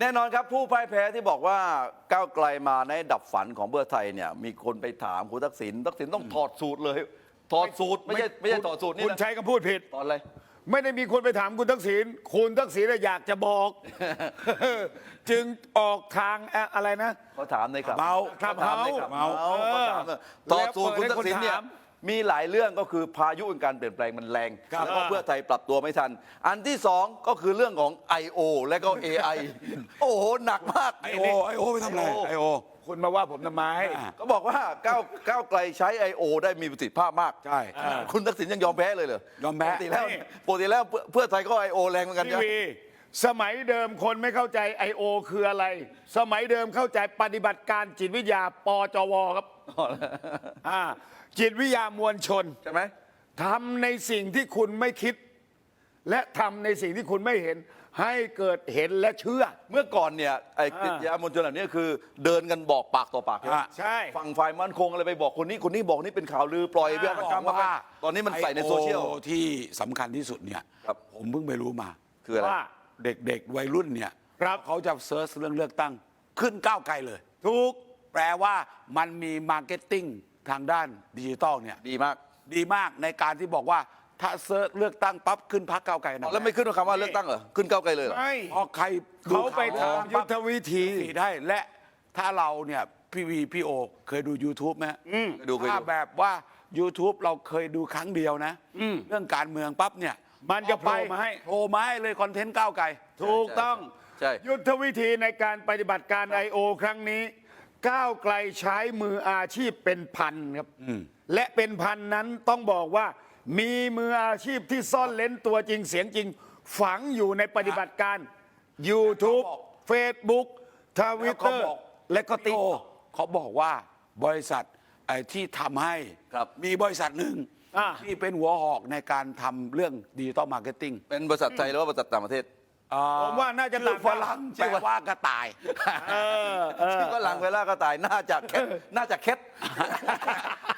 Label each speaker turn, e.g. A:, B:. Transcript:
A: แน่นอนครับผู้พ่ายแพ้ที่บอกว่าก้าวไกลมาในดับฝันของเพื่อไทยเนี่ยมีคนไปถามคุณทักษิณต้องถอดสูตรเลยถอดสูตรไม่ใช่ถอดสูตรนี่
B: คุณ
A: นะ
B: ใช้คำพูดผิด
A: ตอนอะไร
B: ไม่ได้มีคนไปถามคุณทักษิณคุณทักษิณอยากจะบอก จึงออกทางอะไรนะ
A: เขาถามในครับ
B: เมา
A: เขาถามในครับ
B: เมา
A: เขาถามต่อสูตรคุณทักษิณเนี่ย
B: แล้วเปิดให้คนถาม
A: มีหลายเรื่องก็คือพายุแห่งการเปลี่ยนแปลงมันแรง
B: ครับ
A: แล้วก็เพื่อไทยปรับตัวไม่ทัน อันที่สองก็คือเรื่องของ I.O. และก็ AI โอ้โหหนักมาก
C: ไอโอไปทำอะไรไอโอ
B: คุณมาว่าผมทำไม
A: ก็บอกว่าก้าวไกลใช้ I.O. ได้มีประสิทธิภาพมาก
C: ใช่
A: คุณทักษิณยังยอมแพ้เลยเหรอย
C: อมแพ้
A: ปกติแล้วเพื่อไทยก็ I.O. แรงเหมือนกัน
B: ที
A: ใช่ไหม
B: วีสมัยเดิมคนไม่เข้าใจ I.O. คืออะไร สมัยเดิมเข้าใจปฏิบัติการจิตวิทยาปจวครับจิตวิทยามวลชน
A: ใช่ไหม
B: ทำในสิ่งที่คุณไม่คิด และทำในสิ่งที่คุณไม่เห็น ให้เกิดเห็นและเชื่อ
A: เมื่อก่อนเนี่ยไอ้กิจยามวลชนแบบนี้คือเดินกันบอกปากต่อปาก
B: ใช่
A: ฝั่งฝ่ายมั่นคงอะไรไปบอกคนนี้บอกนี่เป็นข่าวลือปล่อยเรื่อง
C: บอก
A: กรรม
C: ว่า
A: ตอนนี้มันใส่ในโซเชียล
C: IO ที่สำคัญที่สุดเนี่ย
A: ครับ
C: ผมเพิ่งไปรู้มา
A: คืออะไร
B: ว่า
C: เด็กๆวัยรุ่นเนี่ย
B: ครับ
C: เขาจะเซิร์ชเรื่องเลือกตั้งขึ้นก้าวไกลเลย
B: ถูก
C: แปลว่ามันมีมาร์เก็ตติ้งทางด้านดิจิตอลเนี่ย
A: ดีมาก
C: ดีมากในการที่บอกว่าถ้าเซิร์ชเลือกตั้งปั๊บขึ้นพักก้าวไกลนะ
A: แล้วไม่ขึ้นคำว่าเลือกตั้งเหรอขึ้นก้าวไกลเลยเหรอ
B: ไม่
C: เพราะใครดู
B: เขาไป
C: ข่ว
B: ทำยุทธวิธี
C: ได้และถ้าเราเนี่ยพี่โอเคยดู YouTube ไหมฮะ
A: เคยดู
C: ถ้าแบบว่า YouTube เราเคยดูครั้งเดียวนะ เรื่องการเมืองปั๊บเนี่ย
B: มันจะโผล่มาให้
C: โผล่มาให้เลยคอนเทนต์ก้าวไกล
B: ถูกต้อง
A: ใช่
B: ยุทธวิธีในการปฏิบัติการ I.O. ครั้งนี้ ก้าวไกลใช้มืออาชีพเป็นพันครับ และเป็นพันนั้นต้องบอกว่า มีมืออาชีพที่ซ่อนเล้นตัวจริงเสียงจริง ฝังอยู่ในปฏิบัติการ YouTube
C: เขาบอก
B: Facebook ทวิตเตอร์และก็ติ๊ก
C: เขาบอกว่าบริษัทไอ้ที่ทำให้
A: ครับ
C: มีบริษัทหนึ่ง
B: อ่า
C: ที่เป็นหัวหอกในการทำเรื่องดิจิตอลมาร์เก็ตติ้ง
A: เป็นบริษัทไทยหรือว่าบริษัทต่างประเทศ
B: ผมว่าน่าจะ
C: ชื่อ
B: ต่าง
C: ฝรั่งแปลว่ากระต่าย
B: เออ
A: ชื่อว่าหลังเวลาก็ตายน่าจะเค็ด